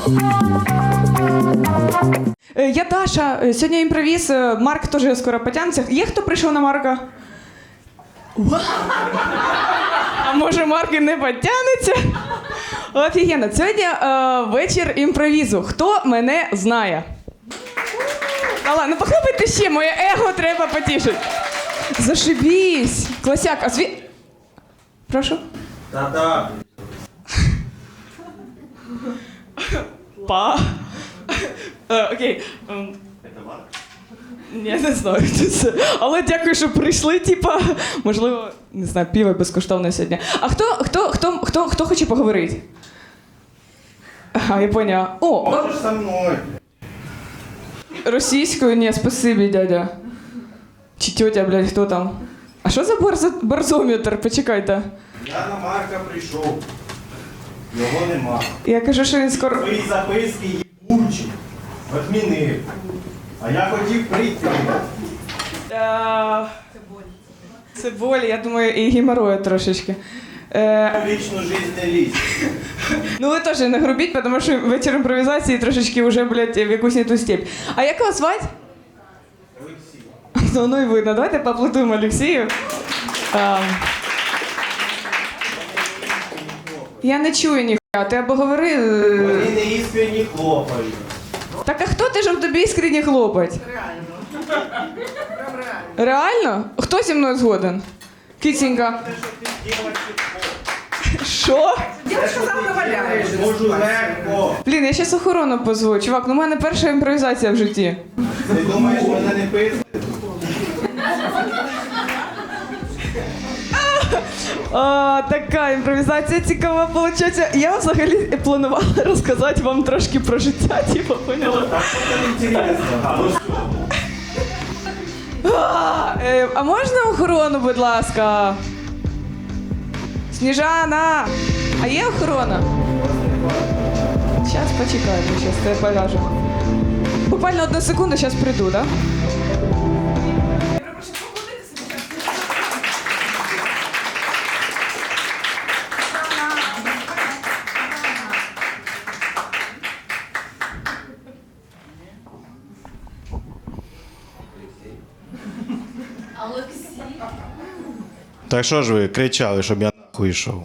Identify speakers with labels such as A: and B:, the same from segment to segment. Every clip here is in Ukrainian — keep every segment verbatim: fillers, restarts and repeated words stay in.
A: Я Даша, сьогодні імпровіз, Марк теж скоро потягнеться. Є хто прийшов на Марка? А може Марк і не потягнеться? Офігенно. Сьогодні е, вечір імпровізу. Хто мене знає? А ладно, ну похлопайте ще, моє его треба потішити. Зашибісь. Класяк, а зві... Прошу?
B: Та-та.
A: Па. Е, Окей. Ем,
B: Це Марк?
A: Ні, не знаю, хто це. Але дякую, що прийшли, типа, можливо, не знаю, пиво безкоштовне сьогодні. А хто, хто, хто, хто, хто хоче поговорити? Ага, я поняла. О,
B: Можеш со мною.
A: російською? Ні, спасибі, дядя. Чи тьотя, блядь, хто там? А що за барзо... барзометр? Почекайте.
B: Я на Марка прийшов. Його нема.
A: Я кажу, що він скоро...
B: Твої записки їбучі. Відмінив. А я хотів прийти.
A: Е, Це боль, я думаю, і геморрою трошечки. Е,
B: В лічну життя не лізь.
A: Ну ви теж не грубіть, тому що вечір імпровізації трошечки вже, блядь, в якусь не ту степь. А як вас звати?
B: Олексій.
A: Ну, ну і видно. Давайте поаплодуємо Олексію. А, я не чую ніхуя, ти або говори...
B: Вони не іскренні хлопають.
A: Так а хто ти, щоб тобі іскренні хлопать?
C: Реально. Прям реально.
A: Реально? Хто зі мною згоден? Кітінька.
B: Те, що ти дівчинка,
A: Що?
C: Дівчинка завтра валяє.
B: можу легко.
A: Блін, я щас охорону позву. Чувак, ну в мене перша імпровізація в житті.
B: Ти думаєш, мене не пиздить?
A: А, така імпровізація цікава виходить. Я взагалі планувала розказати вам трошки про життя, типу, поняла?
B: Так що це інтересно.
A: А, е, а можна охорону, будь ласка? Сніжана! А є охорона? Зараз почекай, ми зараз тебе покажу. Буквально одну секунду, зараз прийду, так? Да?
B: Так що ж ви кричали, щоб я нахуй йшов?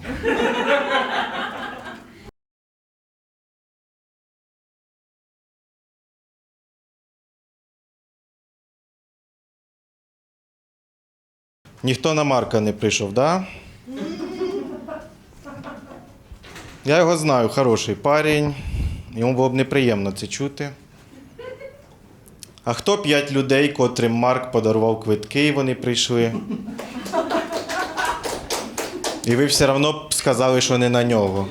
B: Ніхто на Марка не прийшов, да? Я його знаю, хороший парень. Йому було б неприємно це чути. А хто п'ять людей, котрим Марк подарував квитки, і вони прийшли? І ви все одно б сказали, що не на нього.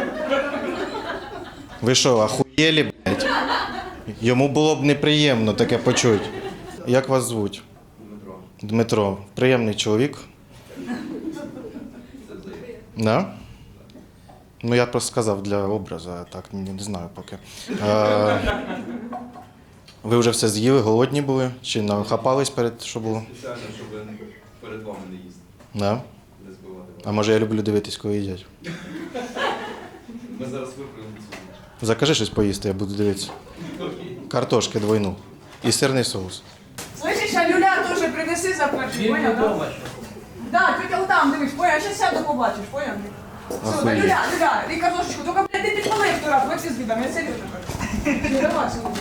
B: Ви що, ахуєлі, блядь? Йому було б неприємно таке почути. Як вас звуть? Дмитро. Дмитро. Приємний чоловік. Да? Ну, я просто сказав для образу, а так не, не знаю поки. А, ви вже все з'їли, голодні були? Чи нахапались перед, що було?
D: Спеціально, щоб перед вами не їсти,
B: Да?
D: не збивати вас.
B: А може я люблю дивитись, коли їдять?
D: Ми зараз виправимо цю.
B: Закажи щось поїсти, я буду дивитися. Картошки двойну. І сирний соус.
C: Слышиш, а люля теж принеси за перший, понял, да? Да, тетя там, дивись, понял, зараз сяду побачиш, понял? Все, да,
B: Охуєть.
C: люля, люля, і картошечку, тільки, блядь, ти підпали хто раз, ви всі з видом, я серйозно кажу. Ну, давай, сьогодні.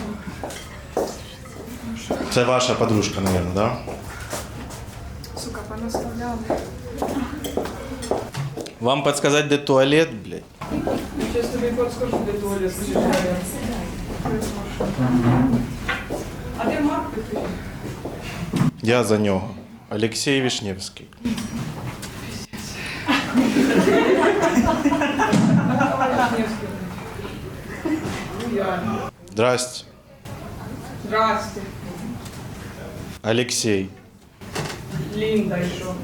B: Це ваша подружка, мабуть, да?
C: Сука, понаставляла.
B: Вам підказати, де туалет, блядь?
C: Сейчас тобі подскажу, де туалет, слышиш, а де Марк, ти скажи?
B: Я за нього. Олексій Вишневський. Здрасте.
C: Здрасте.
B: Олексій.
C: Лінда, і що?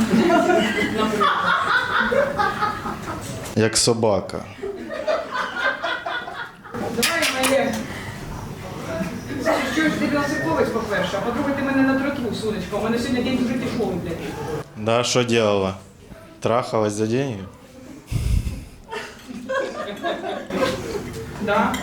B: Як собака.
C: Давай моє. Що ж ти Білоцерковець, по-перше, а по-друге, ти мене на троту, сонечко. У мене сьогодні день дуже тяжелий, блядь.
B: Да, що делала? Трахалась за деньги?
A: Да.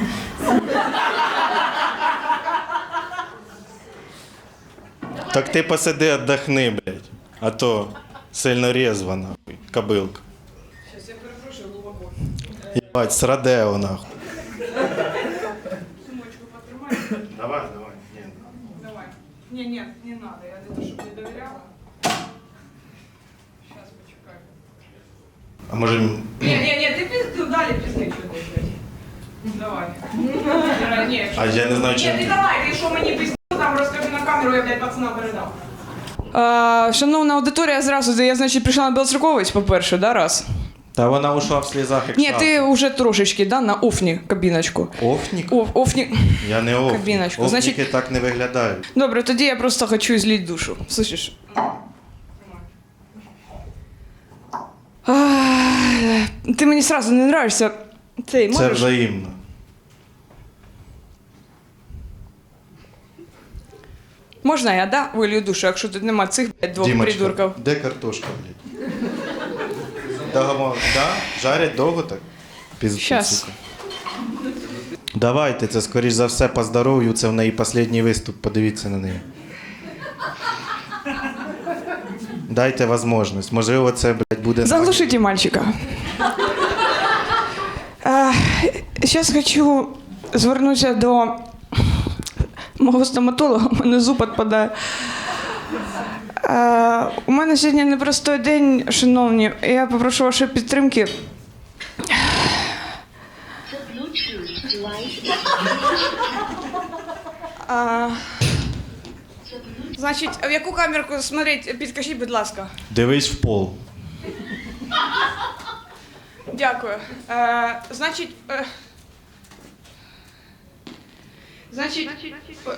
B: Так ти посиди, отдохни, блядь. А то сильно резво, нахуй, кобилка.
A: Сейчас я перепрошую глубоко.
B: Єбать, срадео, нахуй.
A: Сумочку потримай.
B: Давай, давай. Ні.
A: Давай. Не, не, не надо. Я не то, чтобы не доверяла. Сейчас, почекай.
B: А може...
A: Не, не, не, ты пизду дали пизды, что ты, блядь. Давай. Не,
B: А я не знаю,
A: Ні,
B: чим...
A: ти давай, ти що мені пиздів, там розкажи на камеру, я, блядь, пацана передав. А, шановна аудиторія, зразу, я, значить, прийшла на Білоцерковець, по-перше, да, раз?
B: Та вона ушла в слізах, як
A: Ні,
B: шапка.
A: ти вже трошечки, да, на офні кабіночку.
B: Офнік?
A: Оф, офні.
B: Я не офнік.
A: Кабіночку.
B: Офніки
A: Значить-
B: так не виглядають.
A: Добре, тоді я просто хочу злить душу. Слышиш? А, ти мені сразу не нравишся. Цей,
B: Це
A: можеш?
B: взаємно.
A: Можна я, да, вилью душу, якщо тут нема цих, блядь, двох
B: Дімочка,
A: придурків?
B: де картошка, блядь? Договор, да? Жарять довго так? Пізду,
A: Щас.
B: сука. Давайте, це скоріш за все по здоров'ю, це в неї останній виступ, подивіться на неї. Дайте можливість. Можливо, це, блядь, буде...
A: Заглушите мальчика. Зараз хочу звернутися до мого стоматолога, у мене зуб відпадає. А, у мене сьогодні непростой день, шановні. Я попрошу вашої підтримки. А, значить, в яку камерку смотреть, підкажіть, будь ласка.
B: Дивись в пол.
A: Дякую. Е, значить. Е, значить. п-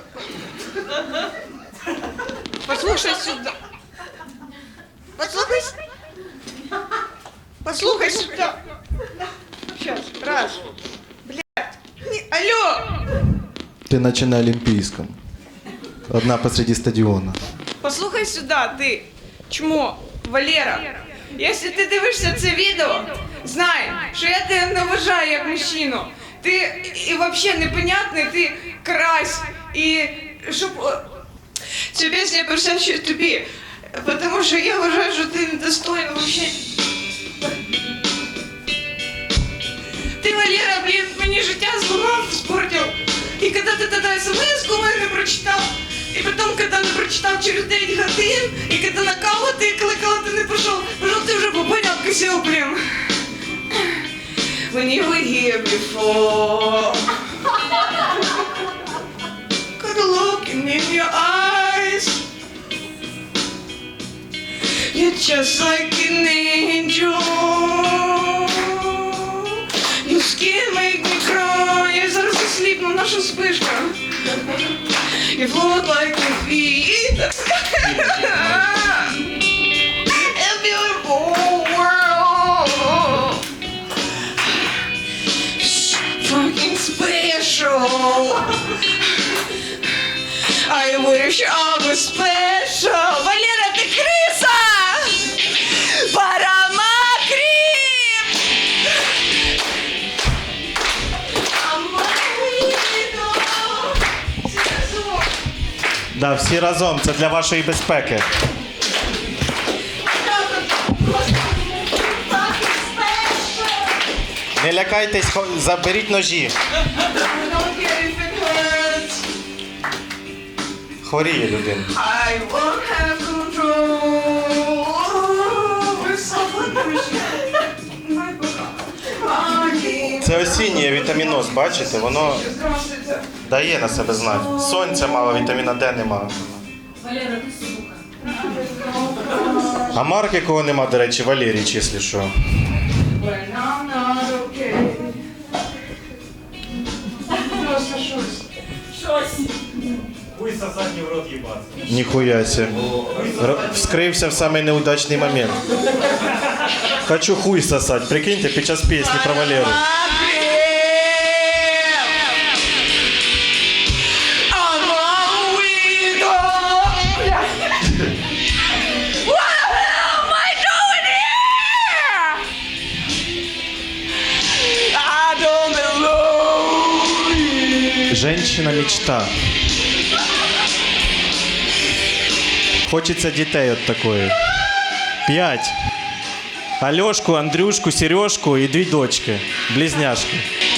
A: Послухай сюди. Послухай. с- Послухай сюди. Сейчас, раз. Блядь. Ні, алло!
B: Ти наче на Олімпійському. Одна посреди стадіону.
A: Послухай сюди, ти. Чмо, Валера. Якщо ти дивишся це відео, знай, що я тебе не вважаю як мужчину. Ти і взагалі непонятний, ти крась. І щоб о, цю пісню я присвячую тобі. Тому що я вважаю, що ти недостойна взагалі. Ти, Валера, блін, мені життя зламав, спортив. І коли ти тоді смс-ку мене прочитав, і потім, коли не прочитав через дев'ять годин, і коли на каву ти кликала, ти не пішов, пішов, ти вже попоняв, кисів, блін. When you were here before, got a looking in your eyes. You're just like an angel. Your skin make me cry. Я зараз засліпну, наша спишка. You float like a feet. A beautiful world. Fucking special. I wish I was special. Валера, ти криса! Парамакріп!
B: Да, всі разом, це для вашої безпеки. Не лякайтесь, хо- заберіть ножі. Хворіє людина.
A: I won't have control over someone
B: Це осіннє вітаміноз, бачите? Воно дає на себе знати. Сонця мало, вітаміна Д нема.
E: Валера, ти сука.
B: А Марк, якого нема, до речі, Валерій, числі що.
A: When I'm not okay. Просто щось.
E: Щось.
F: Хуй сосать не в рот ебаться.
B: Ніхуя сі. Р- Вскрився в самий неудачний момент. Хочу хуй сосать. Прикиньте, під час пісні про Валеру.
A: I don't belong.
B: Женщина мечта. Хочеться дітей от такої. П'ять. Альошку, Андрюшку, Сережку і дві дочки. Близняшки.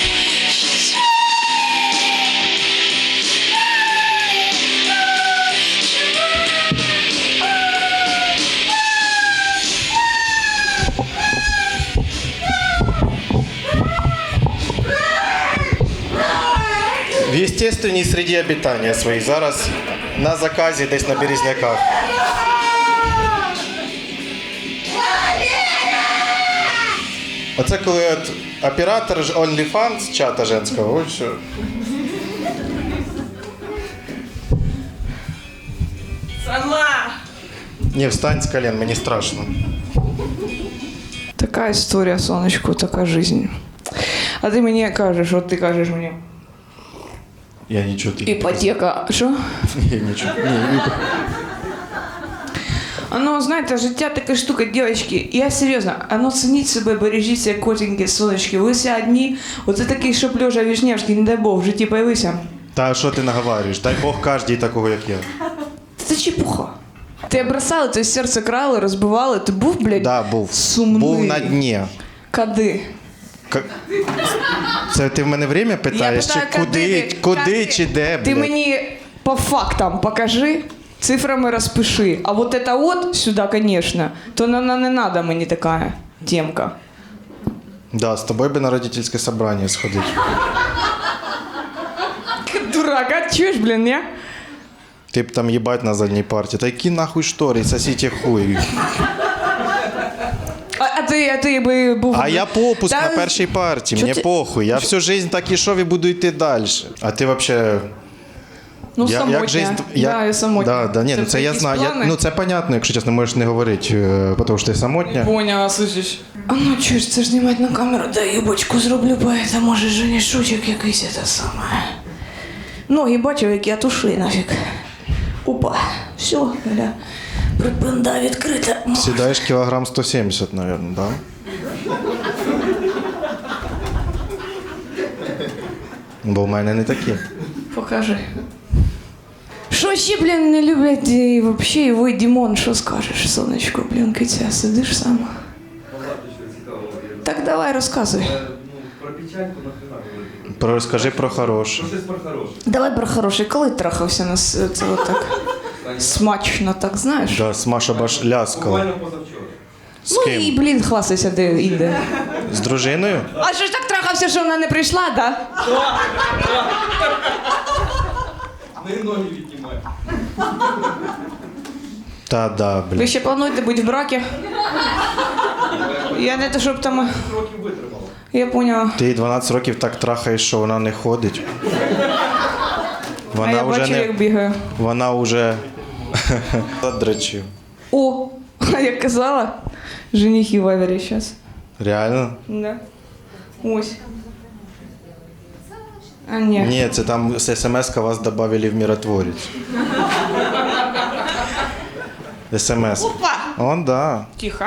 B: В естественній среді обитання своїй. Зараз на заказі десь на Березняках. Оце коли от оператор ж OnlyFans чата женського, ось що.
A: Сама!
B: Ні, встань з колен, мені страшно.
A: Така історія, сонечко, така жизнь. А ти мені кажеш, от ти кажеш мені.
B: Я нічого тобі.
A: Іпотека. Що?
B: Я нічого. Ні,
A: А ну, знаєте, життя така штука, дівчатки, я серйозно, а ну цініть себе, бережіть себе, котенькі, сонечки, ви всі одні, оце такий, щоб Льожа Вішневський, не дай Бог, в житті появився.
B: Та що ти наговорюєш? Дай Бог кожній такого, як я.
A: Це чепуха. Ти бросали, ти серце крали, розбивали, ти був, блядь,
B: Да, був.
A: сумний.
B: Був на дні.
A: Кади?
B: К- Це ти в мене время питаєш? Чи
A: питаю,
B: куди,
A: кади?
B: куди
A: Кади?
B: чи де,
A: Ти
B: блядь?
A: мені по фактам покажи, цифрами розпиши. А вот это вот сюда, конечно, то вона не надо мені така темка.
B: Да, з тобою би на родительське собрання сходити.
A: Дурак, а чуєш, блін, я?
B: Ти б там їбать на задній парті. Та які нахуй штори, сосіть хуй.
A: А, а ти, а ти би був...
B: А я попуск
A: Та-
B: на першій парті,
A: Чо
B: мені
A: ти-
B: похуй. Я всю жизнь так ішов і буду йти далі. А ти взагалі...
A: Ну,
B: Я-
A: самотня.
B: як жизнь-
A: Да, я самотня.
B: Да, да, ні, ну це я
A: якісь
B: знаю. Я,
A: плани?
B: ну це понятно, якщо чесно, можеш не говорити, е, тому що ти самотня.
A: Поняла, слышиш? А ну чуєш, це ж знімати на камеру, да юбочку зроблю, поэтому може женішучок якийсь це саме. Ноги бачив, як я туши нафіг. Опа, все, бля. Припинда відкрита.
B: Сідаєш кілограм сто сімдесят, мабуть, да? Бо в мене не такі.
A: Покажи. Що ще, блін, не люблять і вообще, і ви, Дімон, що скажеш, сонечко, блін, киця, сидиш сам?
D: Багато чого цікавого є.
A: Так давай розказуй.
D: Е, Ну, про печальку нахрена говорити.
B: Про, розкажи про хороше.
D: Про щось про хороше.
A: Давай про хороший, коли трахався нас це отак смачно, так знаєш?
B: Да, Смаша баш ляскала.
D: Буквально позавчора.
B: З
A: Ну і,
B: ким?
A: блін, хвастайся, де інде.
B: З дружиною?
A: А що ж так трахався, що вона не прийшла, да?
D: Не ноги віднімає.
B: Та да,
A: Ви
B: блін.
A: ще плануєте бути в бракі? Я не те, щоб там...
D: Років витримала.
A: Я поняла.
B: Ти їй дванадцять років так трахаєш, що вона не ходить.
A: А
B: Вона
A: я
B: вже
A: бачу,
B: не...
A: як бігаю.
B: Вона вже задрачив.
A: О, а я казала, женихи в Авере сейчас.
B: Реально?
A: Да. Ось. А ні.
B: Ні, це там з смс-ка вас додали в миротворець. СМС.
A: Опа!
B: Он, да.
A: Тихо.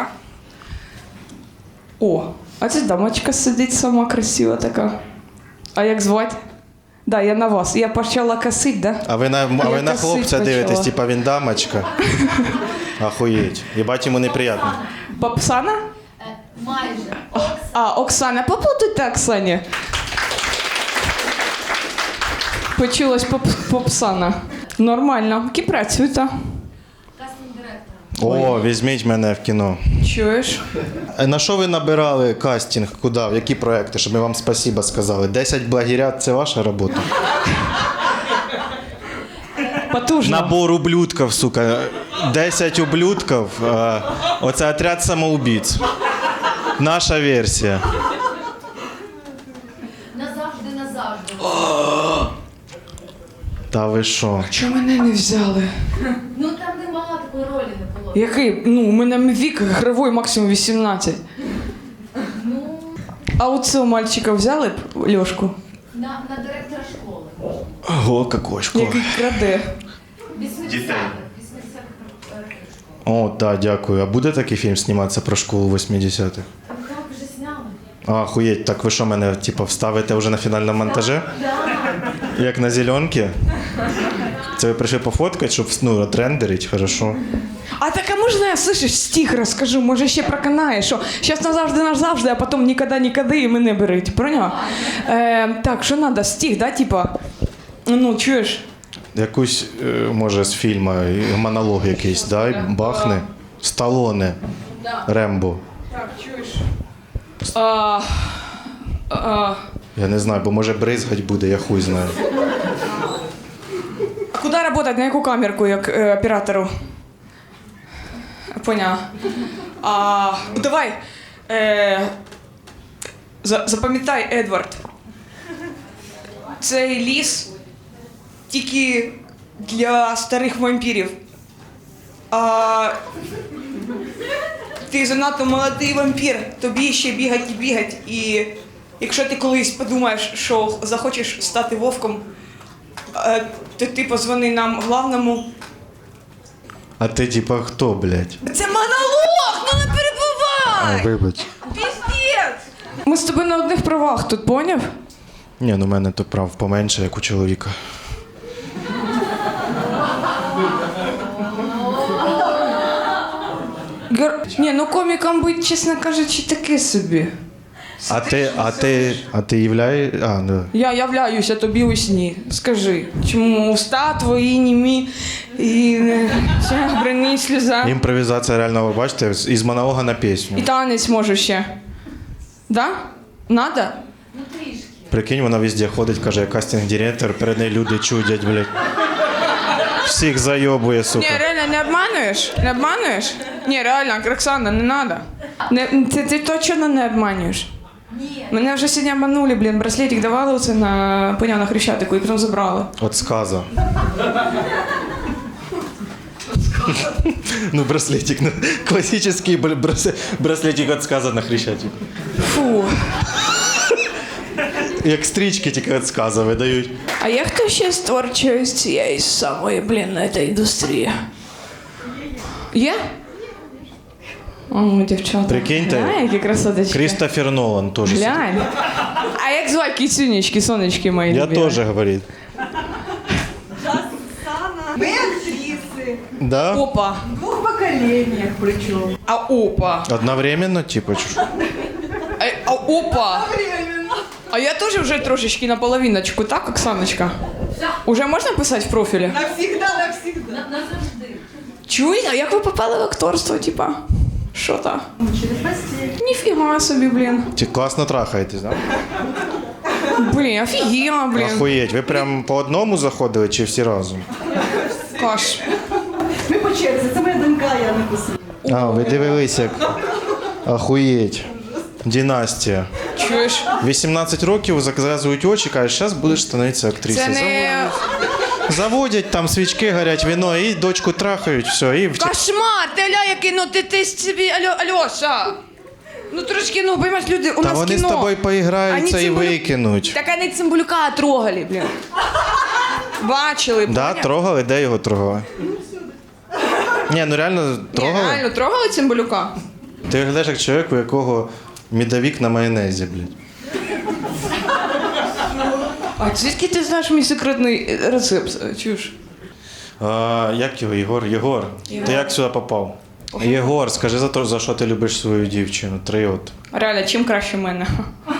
A: О, а це дамочка сидить сама красива така. А як звати? Да, я на вас. Я почала косить, да?
B: А ви на, а ви
A: Я
B: на
A: косить
B: хлопця дивитесь,
A: почала.
B: типа він дамочка. Охуєть. Єбать йому неприємно.
A: Попсана?
E: Майже.
A: А, Оксана. Поплутайте Оксані. Почулась поп попсана. Нормально. Ки працюєте?
E: Кастинг директор.
B: О, візьміть мене в кіно.
A: Чуєш?
B: Е, На що ви набирали кастинг? Куди? В які проекти? Щоб ми вам спасіба сказали. десять благірят – це ваша робота?
A: Потужно.
B: Набор ублюдків, сука. десять ублюдків. Е, Оце отряд самоубійць. Наша версія.
E: Назавжди, назавжди.
B: Та ви що?
A: Чому мене не взяли?
E: Ну там немало такої ролі не було.
A: Який? Ну, у мене вік гравий максимум вісімнадцять.
E: Ну,
A: А у цього мальчика взяли б Льошку?
E: на, на директора школи.
B: Ого, кокошко.
A: Який краде.
E: вісімдесятих. вісімдесятих років школи.
B: О, так, дякую. А буде такий фільм зніматися про школу восьмидесятих?
E: Ну так, вже сняли.
B: А, охуєть, так ви що мене, типу, вставите вже на фінальному монтажі?
E: Да.
B: Як на зеленки. Це ви прийшли пофоткати, щоб ну, отрендерить, хорошо.
A: А так, а можна я, слышиш, стих розкажу? Може ще проканає, що зараз назавжди назавжди, а потім ніколи-ніколи і мене беруть. Поняла? Е, так, що треба? Стих, да, типа? Ну, чуєш?
B: Якусь, е, може, з фільму, і монолог якийсь, да? І бахне. Сталоне. Рембо.
A: Так, чуєш? А, а,
B: Я не знаю, бо може бризгать буде, я хуй знаю.
A: а куди працювати? На яку камерку, як е, оператору? Поняла. А, ну, давай. Е, за, запам'ятай, Едвард. Цей ліс тільки для старих вампірів. А ти занадто молодий вампір, тобі ще бігать і бігать. І якщо ти колись подумаєш, що захочеш стати вовком, е, то ти позвони нам главному.
B: А ти типа хто, блядь?
A: Це монолог, ну не перебувай!
B: Вибач.
A: Піздець! Ми з тобою на одних правах тут, поняв?
B: Ні, ну в мене то прав поменше, як у чоловіка.
A: Гер... Ні, ну комікам бути, чесно кажучи, таке собі.
B: А ти, а ти, а ти являєш... А, ну.
A: Я являюся тобі у сні. Скажи, чому уста твої німі і ще бринить сльоза.
B: Імпровізація реально, ви бачите, з- із монолога на пісню.
A: І танець можу ще. Да? Надо?
E: Ну трішки.
B: Прикинь, вона везде ходить, каже, я кастинг-директор, перед нею люди чудять, блядь. Всіх зайобує, сука.
A: Ні, реально не обманюєш? Не обманюєш? Ні, реально, Оксана, не надо. Не, ти, ти точно не обманюєш?
E: Ні.
A: Мене вже сьогодні обманули, блін, браслетик давали оце на, поняв, на Хрещатику і потім забрали.
B: От сказа. Ну, браслетик, ну, классический бр- брас- браслетик от сказа на Хрещатику.
A: Фу.
B: Як стрічки тільки від сказа видають.
A: А є хто ще з творчої з цієї самої, блін, на цій індустрії? Є? О, дівчата.
B: Прикиньте.
A: Глянь, які красоточки.
B: Крістофер Нолан теж.
A: Глянь. А як звати кіцюнечки, сонечки мої
B: Я
A: любимі?
B: теж, говорить.
C: Мы актрисы.
B: Да?
A: Опа.
C: В двух поколениях причем.
A: А опа.
B: Одновременно, типа, чу-
A: А, а опа. А я теж вже трошечки на половиночку, так, Оксаночка? Уже можна писати в профілі?
C: Навсегда, навсегда.
E: На- Назавжди.
A: Чуєте, а як ви попали в акторство, типа? Що там?
C: Через постель.
A: Ніфіга собі, блін.
B: Ті класно трахаєтесь, да?
A: Блін, офігенно, блін.
B: Охуєть, ви прям по одному заходили чи всі разом?
A: Каш.
C: Ми по черзі, це моя донька, я написала.
B: А, ви дивились як. Охуєть. Династія.
A: Чуєш?
B: вісімнадцять років зав'язують очі, кажуть, зараз будеш становитися
A: Це
B: актрисою.
A: не...
B: Заводять, там свічки горять, вино, і дочку трахають, все, і в
A: Кошмар! Ти ля, який, ну ти, ти собі, Альо, Альоша! Ну трошки, ну, поймаєш, люди, у
B: Та
A: нас
B: вони
A: кіно.
B: з тобою поіграються
A: Ані
B: і
A: Цимбалюк-
B: викинуть.
A: Так вони Цимбалюка трогали, блін. Бачили,
B: Да,
A: поняв?
B: трогали, де його трогали? Ні, ну реально
A: Ні,
B: трогали.
A: реально, трогали Цимбалюка?
B: Ти виглядаєш як чоловік, у якого медовик на майонезі, блядь.
A: А звідки ти знаєш мій секретний рецепт? Чуєш?
B: А, як його, Єгор? Єгор, ти як сюди попав? Єгор, скажи за те, за що ти любиш свою дівчину. Три от.
A: Реально, чим краще мене?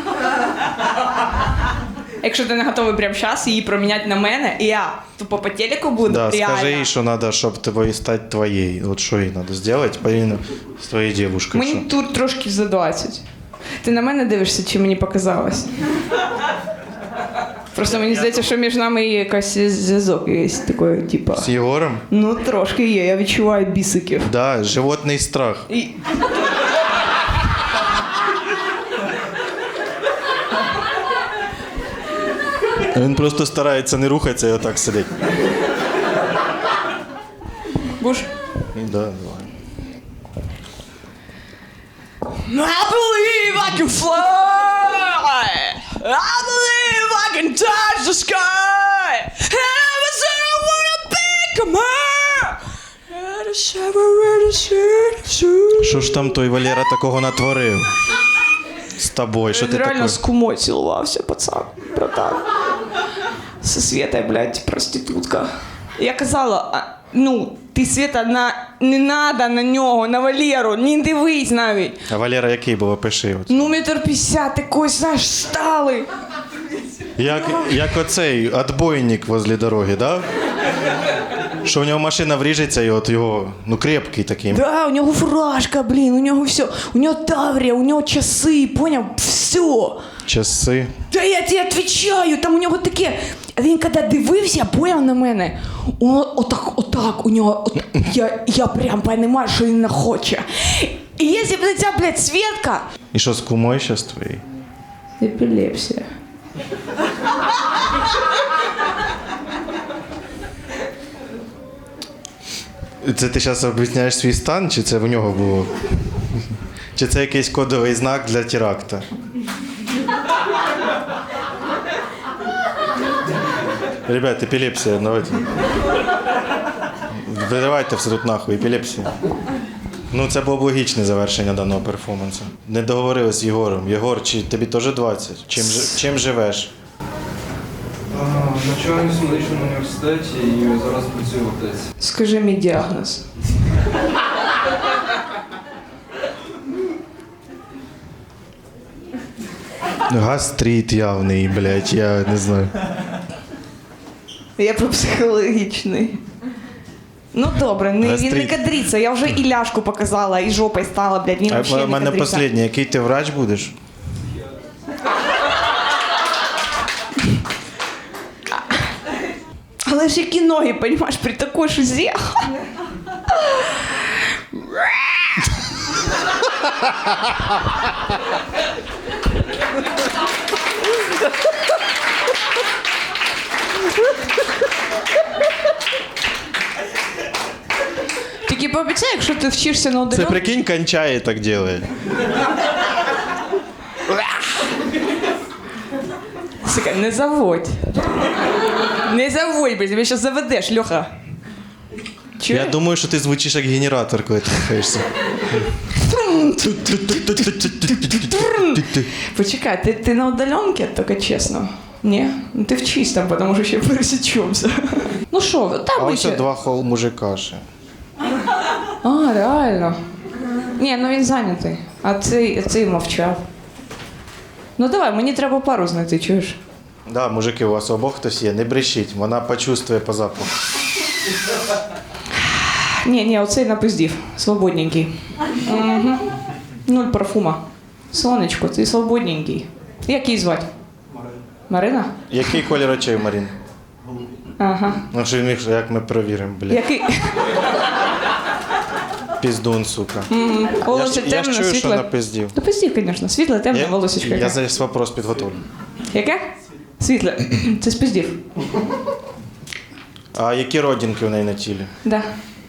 A: Якщо ти не готовий прямо зараз її проміняти на мене, і я тупо по телеку буду,
B: Да,
A: реально.
B: скажи їй, що треба, щоб тобою стати твоєю. От що їй треба зробити, порівняно з твоєю дівчиною.
A: Мені тут трошки за двадцять. Ти на мене дивишся, чи мені показалось? Просто мені здається, що між нами є якийсь зв'язок, є такий, типа.
B: З Єгором?
A: Ну, трошки є, я відчуваю бісиків.
B: Да, животний страх.
A: І...
B: Він просто старається не рухатися і отак сидить.
A: Буш?
B: Да, давай.
A: I believe I can fly. I believe I can touch the sky. And I was I wanna become her. And I separate the
B: Що ж там той Валера такого натворив? З тобою, що ти
A: Він реально
B: такий?
A: з кумою цілувався, пацан, братан. Со Светой, блядь, проститутка. Я казала, а, ну, ти, Света, на... не надо на нього, на Валеру, не дивись навіть.
B: А Валера який був, опиши. От.
A: Ну, метр п'ятдесят, такой, знаєш, сталий.
B: Як, як оцей отбойник возле дороги, да? Що в нього машина вріжеться і от його, ну, крепкий такий.
A: Да, у нього фуражка, блін, у нього все. У нього таврія, у нього часи, поняв? Все.
B: Часи.
A: Та я тебе відповідаю, там у нього таке. Він коли дивився, поняв на мене, о, отак, отак, у нього, от, я, я прям розумію, що він не хоче. І якщо б ця, блядь, Светка...
B: І що з кумою зараз твоєю?
A: Епілепсія.
B: Це ти зараз об'ясняєш свій стан, чи це в нього було? Чи це якийсь кодовий знак для теракта? Ребят, епілепсія, давайте. Виривайте все тут нахуй, епілепсія. Ну, це було б логічне завершення даного перформансу. Не договорили з Єгором. Єгор, чи тобі теж двадцять? Чим, жи- чим живеш?
D: Навчаюсь в медичному університеті і зараз працюю в аптеці.
A: Скажи мій діагноз.
B: Гастрит явний, блядь, я не знаю.
A: Я про психологічний. Ну добре, не, він не
B: Гастрит.
A: кадриться, я вже і ляшку показала, і жопою стала, блядь, він
B: А
A: взагалі
B: в
A: не
B: мене
A: кадриться.
B: останнє, який ти врач будеш?
A: Але ж які ноги, понімаєш, при такій шузі. Тільки пообіцяй, якщо ти вчишся на
B: Це
A: удаленку.
B: прикинь, кончає так делає.
A: Сука, не заводь. Не заводь, блядь, тебе зараз заведеш, Льоха. Чуєш?
B: Я думаю, що ти звучиш як генератор, коли ти рухаєшся.
A: Почекай, ти, ти на удаленке, тільки чесно? Ні? Ну ти вчись там, тому що ще пересічемося. Ну що, ви,
B: А
A: там ми
B: ось
A: ще...
B: два хол мужика ще.
A: А, реально. Ні, ну він зайнятий. А цей, цей мовчав. Ну давай, мені треба пару знайти, чуєш?
B: Да, мужики, у вас обох хтось є, не брешіть, вона почувствує по запаху.
A: Ні, ні, оцей напиздів. Свободненький. Угу. Нуль парфума. Сонечко, ти свободненький. Як її звати? Марина. Марина?
B: Який колір очей у Марін?
A: Ага.
B: Ну що він міг, як ми перевіримо, блядь.
A: Який?
B: Піздун, сука.
A: М,
B: Я
A: Волосся
B: ж, я ж
A: темне,
B: чую, що
A: світле.
B: напиздів.
A: Ну пиздів, звісно. Світле, темне,
B: Я,
A: волосечко.
B: я
A: яке.
B: зараз вопрос підготовлю.
A: Яке? Світле. Це спиздів.
B: А які родинки в неї на тілі?
A: Да.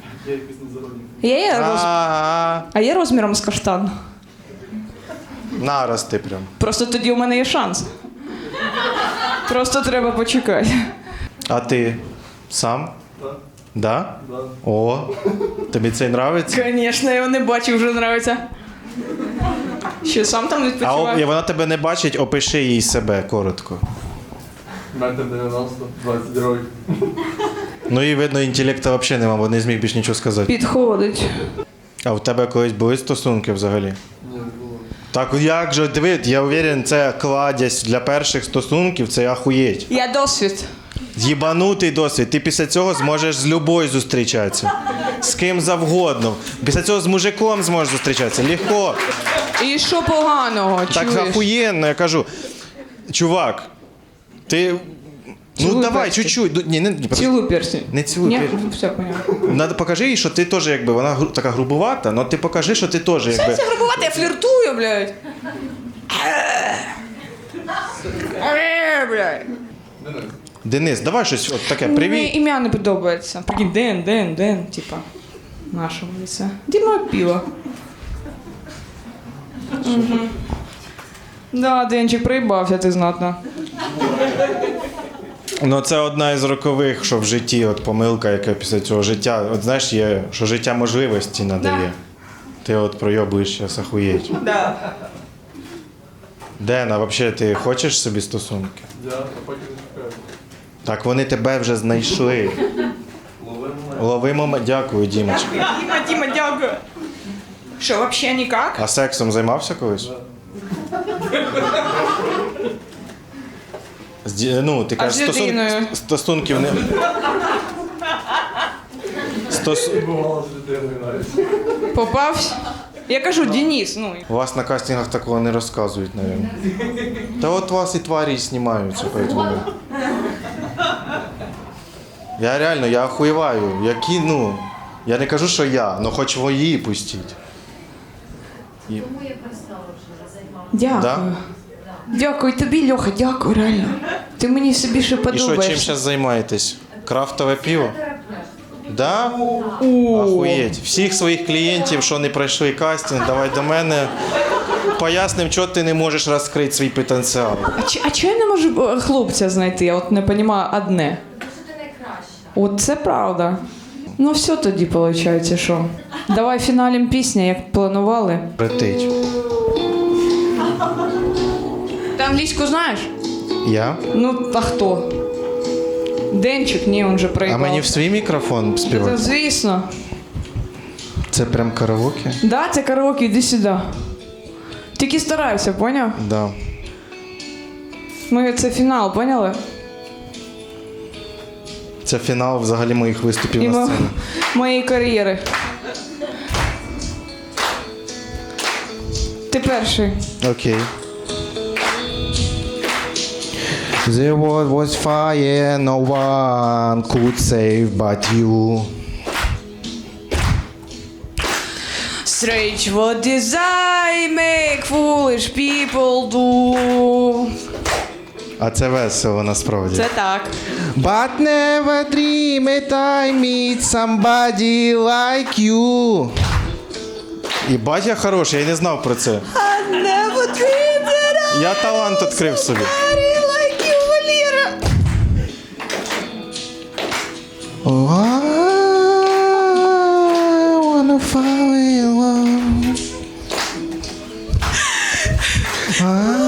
A: Я є роз...
B: А,
A: А є розміром з каштан.
B: нарости прям.
A: Просто тоді у мене є шанс. Просто треба почекати.
B: А ти сам?
D: Так.
B: Да?
D: Да.
B: О, тобі це нравиться?
A: Звісно, я його не бачив, вже нравиться. Що, сам там
B: А
A: відпочиває?
B: о, вона тебе не бачить, опиши їй себе коротко.
D: Метр дев'яносто, двадцять років.
B: Ну і видно, інтелекту взагалі нема, бо не зміг більш нічого сказати.
A: Підходить.
B: А в тебе колись були стосунки взагалі?
D: Ні, не було.
B: Так як же, диви, я уверен, це кладязь для перших стосунків, це ахуєть.
A: Я досвід.
B: З'їбанутий досвід. Ти після цього зможеш з любою зустрічатися. З ким завгодно. Після цього з мужиком зможеш зустрічатися. Легко.
A: І що поганого,
B: Так
A: чуєш?
B: ахуєнно, я кажу. Чувак, ти. Ну
A: Цілуй
B: давай,
A: перстень.
B: чуть-чуть. Ну, Ні, не, не,
A: Цілуй перстень.
B: Не цілуй
A: Ні?
B: перстень.
A: Ну, все, понятно.
B: Надо покажи їй, що ти теж якби, вона гру- така грубувата, але ти покажи, що ти теж якби.
A: Це грубувати, я фліртую, блядь. Е, блядь.
D: Денис.
B: Денис, давай щось от таке,
A: Мені
B: привіт.
A: ім'я не подобається. Прикинь, Ден, Ден, Ден, типа. Нашому лице. Діма пиво. Угу. Да, Денчик, проїбався ти знатно.
B: Ну це одна із рокових, що в житті, от помилка, яка після цього життя. От знаєш, є, що життя можливості надає. Ти от пройобуєш зараз ахуєть.
A: Да.
B: Ден, а взагалі ти хочеш собі стосунки?
D: Я а поки не шукаю.
B: Так вони тебе вже знайшли. Лови момент. Дякую, Дімочка.
A: Діма, Діма, дякую. Що, взагалі ніяк?
B: А сексом займався колись? З ді- Ну, ти кажеш,
A: з
B: стосун...
A: людиною?
B: стосунків не. Стос...
D: Бувало з людиною навіть.
A: Попався? Я кажу, Денис, ну.
B: У вас на кастингах такого не розказують, мабуть. Та от вас і тварі знімаються, поэтому. Я реально, я охуєваю. Які, ну. Я не кажу, що я, але хоч ви її пустіть.
E: Тому я перестала вже займатися.
A: Дякую.
B: Да?
A: Дякую тобі, Льоха, дякую, реально. Ти мені все більше
B: І що,
A: подобаєшся.
B: чим зараз займаєтесь? Крафтове пиво? Да?
A: О,
B: Охуєть. Всіх своїх клієнтів, що не пройшли кастинг, давай до мене. Поясним, чого ти не можеш розкрити свій потенціал.
A: А, чи- а чого я не можу е, хлопця знайти? Я от не розумію одне.
E: Тому що ти найкраща.
A: От це правда. Ну все тоді, виходить, що? Давай фіналім пісня, як планували.
B: Летить.
A: Ти англійську знаєш?
B: Я?
A: Ну, а хто? Денчик? Ні, він же
B: А
A: проїбав.
B: мені в свій мікрофон
A: Та,
B: співати?
A: звісно.
B: Це прям караоке?
A: Да, це караоке, іди сюди. Тільки старайся, поняв?
B: Да.
A: Ми це фінал, поняли?
B: Це фінал взагалі моїх виступів
A: І
B: на
A: мо-
B: сцені.
A: моєї кар'єри. Ти перший.
B: Окей. The world was fire, no one could save but you.
A: Strange what desire make foolish people do.
B: А це весело насправді.
A: Це так.
B: But never dream it I meet somebody like you. І батя хороший, я й не знав про це.
A: I never dreamed that I
B: Я талант відкрив собі.
A: somebody like you, Валера.
B: Oh, I wanna fall in love. I